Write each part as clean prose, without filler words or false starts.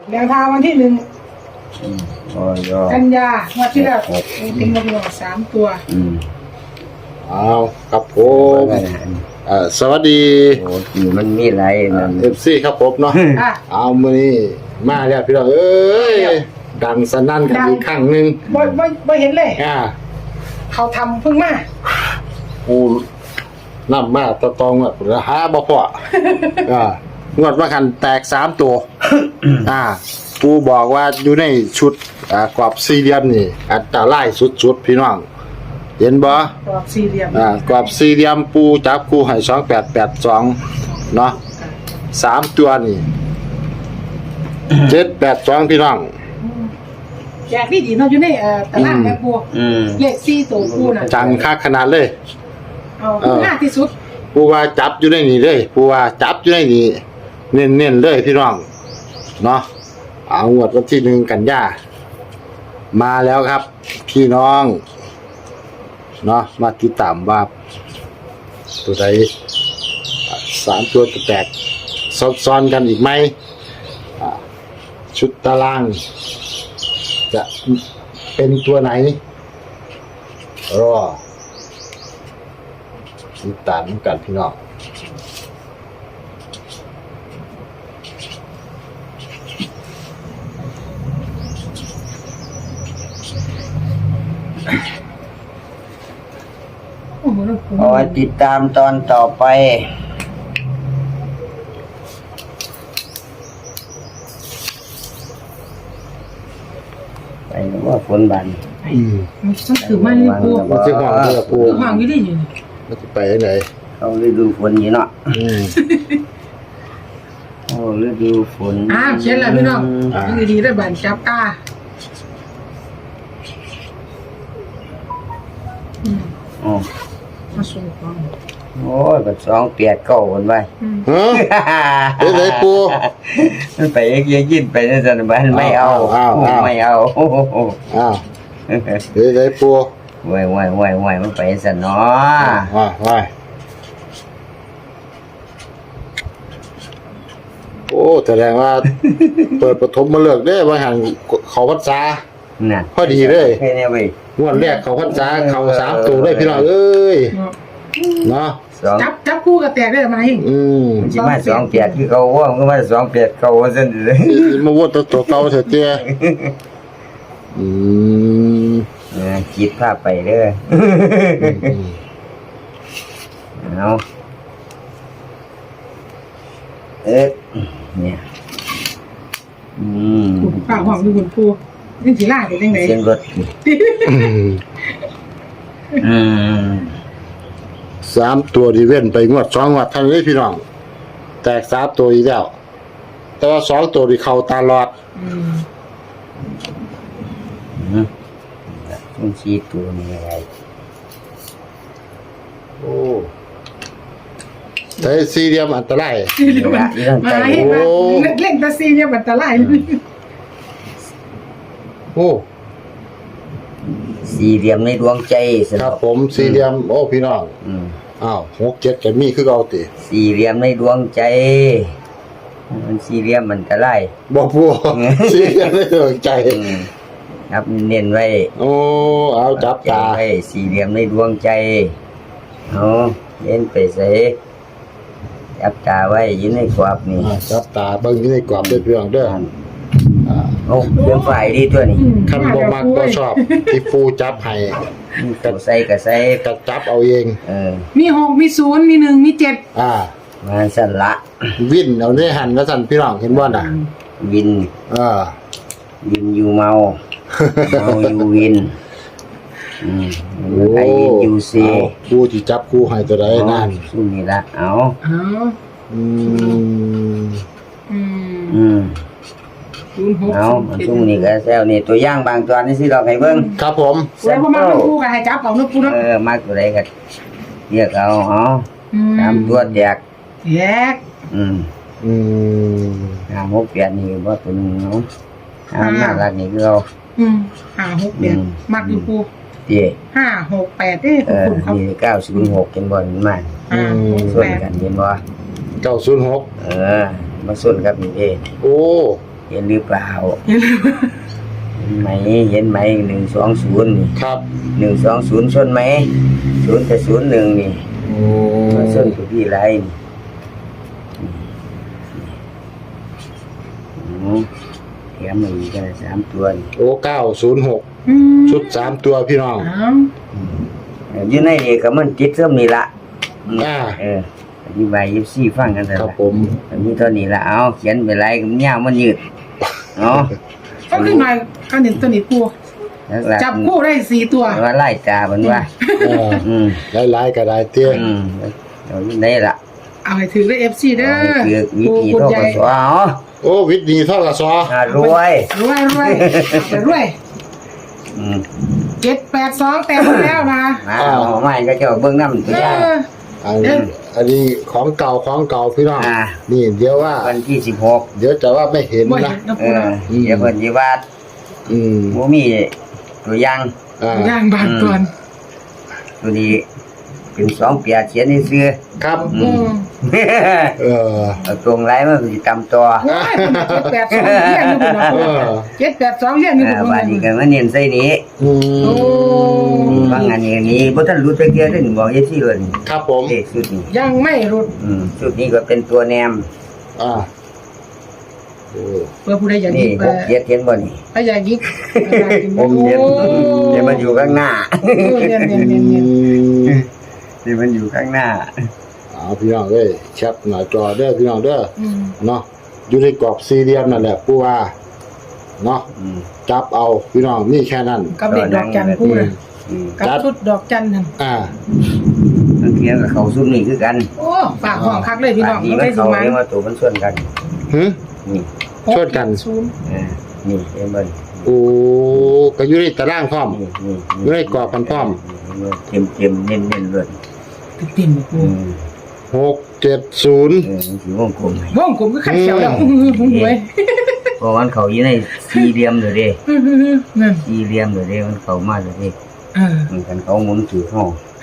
แนวทางวันที่1กันยางวดที่แล้วเป็นวันที่3ตัวเอาครับผมสวัสดีมันมีอะไรนั่น FC ครับผมเนาะเอามื้อนี้มาแล้วพี่น้องเอ้ยดังสนั่นกันอีกครั้งนึงบ่เห็นเลยเขาทำเพิ่งมากูนำมาตองอ่ะหาบ่พองวดว่าคันแตก3ตัวกูบอกว่าอยู่ในชุดกรอบสี่เหลี่ยมนี่อัตรายสุดๆพี่น้องเห็นบ่กรอบสี่เหลี่ยมกรอบสี่เหลี่ยมปูจับคู่ให้2882เนาะ3ตัวนี่782พี่น้องแจกดีเนาะอยู่ในตลาดแม่ปูเลข4ตัวปูน่ะจังคักขนาดเลยเอาง่ายที่สุดปูว่าจับอยู่ในนี่เลยปูว่าจับอยู่ในนี่เน้นๆเลยพี่น้องเนาะเอางวดวันที่1กันยามาแล้วครับพี่น้องเนาะมาติดตามว่าตัวใด3ตัวจะแตกซ้อนกันอีกไหมชุดตารางจะเป็นตัวไหนรอติดตามกันพี่น้องขอติดตามตอนต่อไปไปว่าฝนบันมันถือมาเลยปูมันจะห่างเลยปูห่างอยู่ดิมันจะไปไหนเขาฤดูฝนอยู่เนาะฤดูฝนเขียนแล้วพี่น้องดีได้บันจับตามาส่งของโอ้ยแบบ289คนไปเป็นไรปูมันไปยินไปนั่นสิบ้านไม่เอาไม่เอาเป็นไรปูว่ายมันไปสิเนาะโอ้แสดงว่าเปิดปฐมมาเลิกได้ว่าหันเขาพรรษาพอดีเลยงวดแรกเขาพรรษาเขา3ตัวได้พี่น้องเอ้ยเนาะจับคู่กับแตกได้ไหมมันจะมา28คือเขาว่ามันก็มา28เขาว่าซั่นเลยมาวนตัวเก่าเถอะเตี้ยคิดภาพไปเด้อเอาเนี่ยป้าห้องดูคุณปูนี่สิล่าเป็นจังได๋เสียงรถ 3ตัวดีเว้นไปงวด2งวดทันเลยพี่น้องแตก3ตัวอีกแล้วแต่ว่า2ตัวที่เข้าตลอดมันชี้ตัวนี้อะไรโอ้แต่สี่เหลี่ยมอันตรายมาให้มาเล่นแต่สี่เหลี่ยมอันตรายโอ้สี่เหลี่ยมในดวงใจครับผมสี่เหลี่ยมโอ้พี่น้อง6 7จะมีคือเอาติสี่เหลี่ยมในดวงใจมันสี่เหลี่ยมมันตรายบ่ปูสี่เหลี่ยมในดวงใจนับเน้นไว้เอาจับตาไว้สี่เหลี่ยมในดวงใจเน้นไปใส่จับตาไว้ยินในกรอบนี่จับตาเบิ่งยินในกรอบเด้อพี่น้องเด้อเรื่องฝ่ายดีตัวนี้คันบ่มักบ่ชอบที่ปูจับให้ก็ใส่ก็จับเอาเองมี6มี0มี1มี7 มาสั่นละวินเอาในหันแล้วสั่นพี่น้องเห็นบ่น่ะวินอยู่เมาอยู่วินไอ้วินอยู่ซีกูที่จับกูให้ตัวใดนั่นสู้นี่ละเอามันสู้นี่ก็แซวนี่ตัวย่างบางตัวนี่สิเราให้เบิ่งครับผมแล้วบ่มาปูก็ให้จับเอาเนาะปูเนาะมาตัวใดก็เรียกเอาตามตัวแยก6 8นี่บ่ตัวนึงเนาะน่ารักนี่คือเอา 5 6 8มักอยู่ปู5 6 8 คุณเขา906เป็นบ่นี่มาส่วนกันเห็นบ่ 906 มาส่วนกับนี่โอ้เห็นหรือเปล่าเห็นไหม120นี่ครับ 120ชนไหม0กับ01นี่โอ้มาชนตัวพี่ไรนี่แถมมาอีกกัน3ตัวนี่โอ้906 อืมชุด3ตัวพี่น้องอ้าวอยู่ในนี่ก็มันจิตเริ่มนี่ละอ่าอธิบาย24ฟังกันเถอะครับผมอันนี้เท่านี้ละเอาเขียนไปไรก็มันยาวมันยืดเนาะก็ขึ้นมาอันนี้ตัวนี้ปูหลักๆจับคู่ได้4ตัวว่าไล่ตามันว่าหลายๆก็ได้เตี้ยเอาได้ละเอาให้ถือได้ FC เด้อคือวิปูธีคุณโทษใหญ่ก็สวเอาโอ้วิทย์ดีเท่ากับซอรวยรวยรวย 782แต่งแล้วนะเอาไม่ก็จะเบิ่งน้ำตัวอย่างอันนี้ของเก่าพี่น้อง นี่เดี๋ยวว่าวันที่เดี๋ยวจะว่าไม่เห็นบ่นะเห็นนะ 16 ปูนะเดี๋ยวเพิ่นสิว่าอืมบ่มีตัวอย่างย่างบานก่อนตัวนี้เป็น2เปียเขียนให้ซื้อครับอืมเอาตรงไรมันสิตำต่อว้าย782เรียนอยู่พุ่นนะปู782เรียนอยู่พุ่นบาดนี้ก็มาเน้นใส่นี้อืมโอ้บางอันนี้บ่ทันรู้จักเกียร์ได้นี่บอกซี่เลยนี่ครับผมเลขชุดนี้ยังไม่รุดชุดนี้ก็เป็นตัวแนมอ่าโอ้เพื่อผู้ใดอยากนี่ยิบพวกเกียร์เขียนบ่นี่ถ้าอยากยิบผมเขียนเดี๋ยวมันอยู่ข้างหน้าเรียนเดี๋ยวมันอยู่ข้างหน้าพี่น้องเอ้ยแคปหน้าจอเด้อพี่น้องเด้อ เนาะอยู่ในกรอบสี่เหลี่ยมนั่นแหละผู้ว่าเนาะจับเอาพี่น้องมีแค่นั้นกับเด็กดอกจันคู่นะกับชุดดอกจันนั่นมันเขียนกับเขาซุ่มนี่คือกันโอ้ฝากห้องคักเลยพี่น้องนี่ไม่มันได้สิเขามาเรียกว่าตัวมันส่วนกันหึนี่ชนกันนี่เห็นบ่โอ้ก็อยู่ในตารางพร้อม อยู่ในกรอบมันพร้อมเต็มเน้นเลยเต็มๆปู 670 มันสิวงกลมว่องผมก็ขัดเขียวแล้วผมหวยเพราะมันเขาอยู่ในสี่เหลี่ยมเลยเด้นั่นสี่เหลี่ยมเลยเด้มันเข้ามาเลยเด้ มันกันเขาหมุนถือห้อง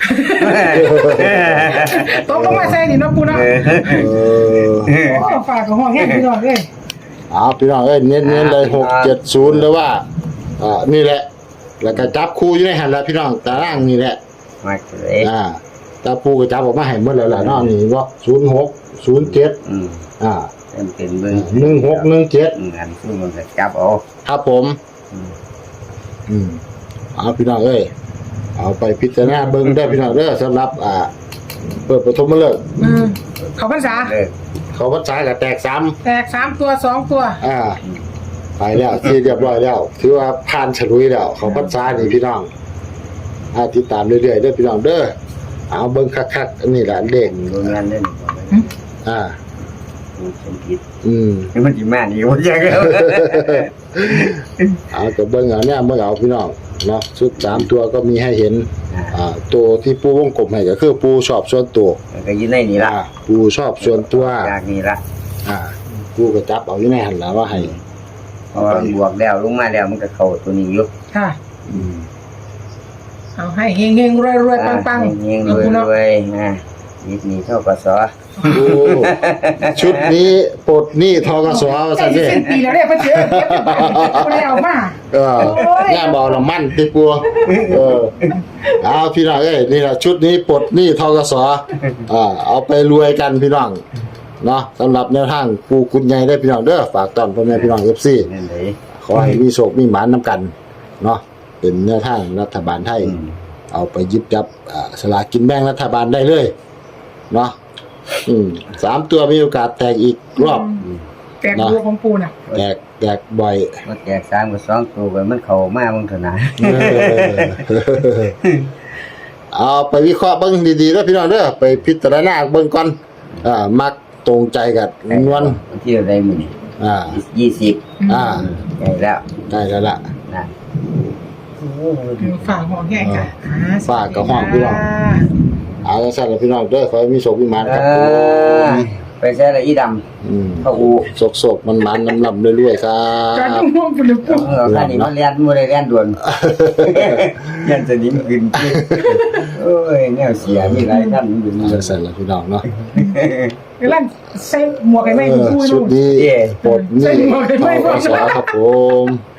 ตกลงมาใส่นี่เนาะปูเนาะโอ้ฝากกับห้องแห้งพี่น้องเลยพี่น้องเอ้ยเน้นเลย670เลยว่านี่แหละ แล้วก็จับคู่อยู่ในหันแล้วพี่น้องตารางนี่แหละมาเลยจับคู่ก็จับออกมาให้หมดแล้วล่ะเนาะนี่บ่06 07 เป็นเบิ่ง 1617 งานซึ่งมันจะจับเอาครับผมพี่น้องเอ้ยเอาไปพิจารณาเบิ่งได้พี่น้องเด้อสำหรับเปิดปฐมฤกษ์เขาพรรษาเขาพรรษาก็แตก3 แตก3ตัว2ตัวไปแล้วที่เรียบร้อยแล้วถือว่าผ่านฉลุยแล้วเขาพรรษานี่พี่น้องติดตามเรื่อยๆเด้อพี่น้องเด้อเอาเบิ่งคักๆอันนี้ล่ะเลขโรงงานเล่น สมผิดมันสิมานี่บ่จักแล้วเอาก็เบิ่งเอาเนี่ยเบิ่งเอาพี่น้องเนาะชุด3ตัวก็มีให้เห็นตัวที่ปูวงกลมให้ก็คือปูชอบส่วนตัวก็อยู่ในนี่ล่ะปูชอบส่วนตัวจากนี่ล่ะปูก็จับเอาอยู่ในหั่นล่ะว่าให้เพราะว่าบวกแล้วลงมาแล้วมันก็เข้าตัวนี้อยู่ค่ะเอาให้เฮงๆรวยๆปังๆเฮงๆรวยๆยิดนี่เท่ากับสอชุดนี้ปลดหนี้ทกสว่าซั่นใกล้เด้สิ้นปีแล้วเนี่ยพ่อเชื่อเก็บไปบ่ได้เอามาย่าเบาน้ำมันติปัวเอาพี่น้องเอ้ยนี่ล่ะชุดนี้ปลดหนี้ทกสเอาไปรวยกันพี่น้องเนาะสำหรับแนวทางปูคุณใหญ่ได้พี่น้องเด้อฝากต้อนพ่อแม่พี่น้อง FC นั่นเลยขอให้มีโชคมีหมานนำกันเนาะเป็นแนวทางรัฐบาลไทยเอาไปหยิบจับสลากกินแบ่งรัฐบาลได้เลยเนาะ3ตัวมีโอกาสแตกอีกรอบแตกบัวของปูน่ะแตกบ่อยมันแจก3กับ2ตัวไปมันเข้ามาเบิ่งเท่านั้นเอาไปวิเคราะห์เบิ่งดีๆแล้วพี่น้องเด้อไปพิจารณาเบิ่งก่อนมักตรงใจกับนวลที่อะไรมื้อนี้20ใหญ่แล้วได้แล้วล่ะนะฝากห้องแห้งค่ะฝากกับห้องพี่น้องเอาจังซั่นล่ะพี่น้องเด้อขอให้มีโชคมีหมานครับไปใช้ละอีดำเข้าอูโศกมันลำเรื่อยๆครัจอดบม่วงปุ่นปูคันนี้มันเรียนบ่ได้เรียนด่วนเรียนสนิมขึ้นโอ้ยแนวเสียมีหลายท่านอยู่นี่จะเสร็จแล้วพี่น้องเนาะกำลังใส่หมวกให้แม่ปูชุนู่ดนนี้ปลดหนี่ใส่หมวกให้แม่ต่อปูสครับผม